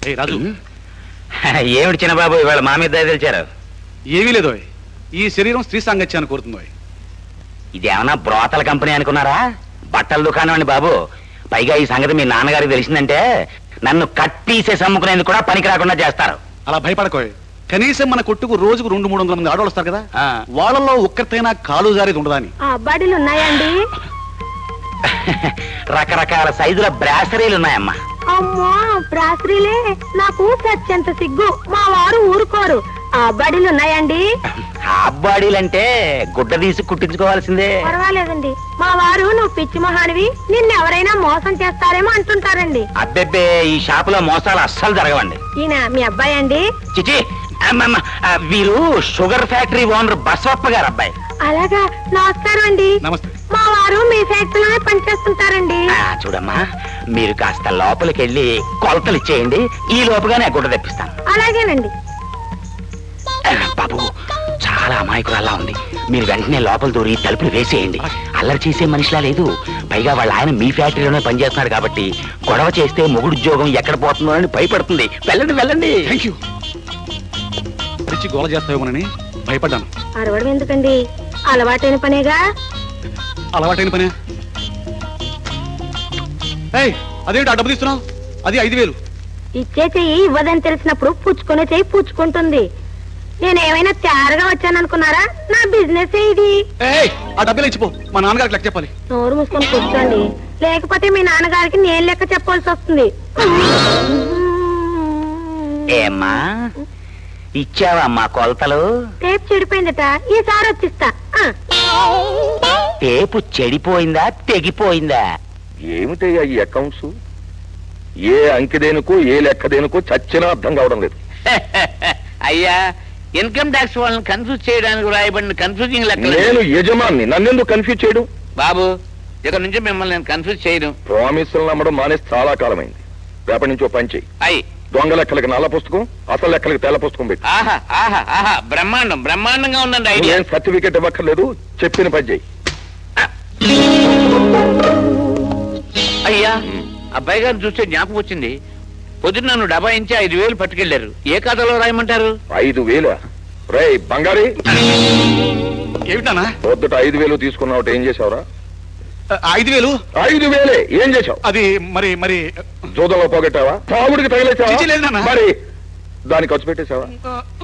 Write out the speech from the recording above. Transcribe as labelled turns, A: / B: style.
A: రాజు
B: ఏమిటి చిన్న బాబు ఇవాళ మా మీద దయ తెలిచారు?
A: ఏమీ లేదో, ఈ శరీరం స్త్రీ సాంగత్యాన్ని కోరుతుందో.
B: ఇదేమన్నా బ్రోతల కంపెనీ అనుకున్నారా? బట్టల దుకాణం అండి బాబు. పైగా ఈ సంగతి మీ నాన్నగారికి తెలిసిందంటే నన్ను కట్ పీసెస్ అమ్ముకునేందుకు కూడా పనికి రాకుండా చేస్తారు.
A: అలా భయపడకోయ్. కనీసం మన కొట్టుకు రోజుకు 200-300 మంది ఆడవాళ్ళు వస్తారు కదా, వాళ్ళలో ఒక్కరితైనా కాలు జారేది ఉండదా అని.
C: అబ్బాడీలు ఉన్నాయండి?
B: రకరకాల సైజుల బ్రాసరీలు ఉన్నాయమ్మా.
C: అమ్మా బ్రాసరీలే, నాకు సత్యంత సిగ్గు. మా వారు ఊరుకోరు. అబ్బాడీలు ఉన్నాయండి?
B: అబ్బాడీలంటే గుడ్డ తీసి కుట్టించుకోవాల్సిందే.
C: పర్వాలేదండి, మా వారు నువ్వు పిచ్చి మహానివి, నిన్నెవరైనా మోసం చేస్తారేమో అంటుంటారండి.
B: అబ్బెబ్బే, ఈ షాపులో మోసాలు అస్సలు జరగవండి.
C: ఈయన మీ అబ్బాయి అండి?
B: చిచి, వీరు షుగర్ ఫ్యాక్టరీ ఓనర్ బసవప్ప గారు అబ్బాయి.
C: అలాగా, నమస్కారం అండి.
A: నమస్తే.
C: మా వారు మీ ఫ్యాక్టరీలోనే పనిచేస్తుంటారండి.
B: చూడమ్మా, మీరు కాస్త లోపలికి వెళ్ళి కొలతలు ఇచ్చేయండి, ఈ లోపుగానే గుడ్డ తెప్పిస్తాను.
C: అలాగేనండి.
B: బాబు, చాలా అమాయకురాల్లా ఉంది. మీరు వెంటనే లోపల దూరి తలుపులు వేసేయండి. అల్లరి చేసే మనిషిలా లేదు. పైగా వాళ్ళ ఆయన మీ ఫ్యాక్టరీలోనే పనిచేస్తున్నాడు కాబట్టి గొడవ చేస్తే మొగుడు ఉద్యోగం ఎక్కడ పోతుందో అని భయపడుతుంది. వెళ్ళండి వెళ్ళండి.
A: Thank you. గోల చేస్తావేమోనని భయపడ్డాను.
C: అరవడం ఎందుకండి, అలవాటైన పనేగా.
A: అలవాటైన పనే. అదేంటి ఆ డబ్బు తీస్తున్నావు? అది 5,000.
C: ఇచ్చే చెయ్యి ఇవ్వదని తెలిసినప్పుడు పుచ్చుకునే చెయ్యి పుచ్చుకుంటుంది. నేనేమైనా తయారుగా వచ్చాననుకున్నారా? నా బిజినెస్ ఇది.
A: ఆ డబ్బులు ఇచ్చిపో, మా నాన్నగారికి లెక్క చెప్పాలి.
C: నోరు మూసుకొని కూర్చోండి, లేకపోతే మీ నాన్నగారికి నేను లెక్క చెప్పాల్సి వస్తుంది.
B: ఏమ్మా, ఇచ్చావమ్మా కొలతలు?
C: టేప్ చెడిపోయిందట, ఈసారి వచ్చిస్తా.
B: టేపు చెడిపోయిందా తెగిపోయిందా?
D: ఏమిటయ్యా ఈ అకౌంట్స్? ఏ అంకెదేనుకో ఏ లెక్కదేనుకో చచ్చినా అర్థం కావడం లేదు.
E: అయ్యా, ఇన్కమ్ ట్యాక్స్ వాళ్ళని కన్ఫ్యూజ్ చేయడానికి రాయబడిన కన్ఫ్యూజింగ్ లెక్క.
D: నేను యజమాన్ని, నన్నెందుకు కన్ఫ్యూజ్ చేయడం?
E: బాబు, ఇక్కడ నుంచి మిమ్మల్ని నేను కన్ఫ్యూజ్ చేయను.
D: ప్రామిసులు నమ్మడం మానేసి చాలా కాలమైంది. రేపటి నుంచి ఓ పని చెయ్యి.
E: అయ్యి,
D: దొంగ లెక్కలకి నల్ల పుస్తకం, అసలు లెక్కలకి తెల్ల పుస్తకం పెట్టి.
E: ఆహా ఆహా ఆహా, బ్రహ్మాండం బ్రహ్మాండంగా ఉందండి ఐడియా.
D: ఏం సర్టిఫికెట్ ఇవ్వక్కర్లేదు, చెప్పిన పని చెయ్యి.
E: అయ్యా, అబ్బాయి గారిని చూస్తే జ్ఞాపకం వచ్చింది. పొద్దున్న నన్ను డబాయించి 5,000 పట్టుకెళ్లారు. ఏ ఖాతాలో రాయమంటారు?
D: 5,000? రే బంగారీ,
A: ఏమిటానా
D: పొద్దుట 5,000 తీసుకున్నావు, ఏం చేసావురా?
A: 5,000?
D: 5,000 ఏం చేసావు?
A: అది మరి మరి
D: జూదంలో పోగొట్టావా? తాగుడికి తగిలేసావా?
A: చిచి లేదు నాన్న.
D: మరి దాన్ని ఖర్చు పెట్టేశావా?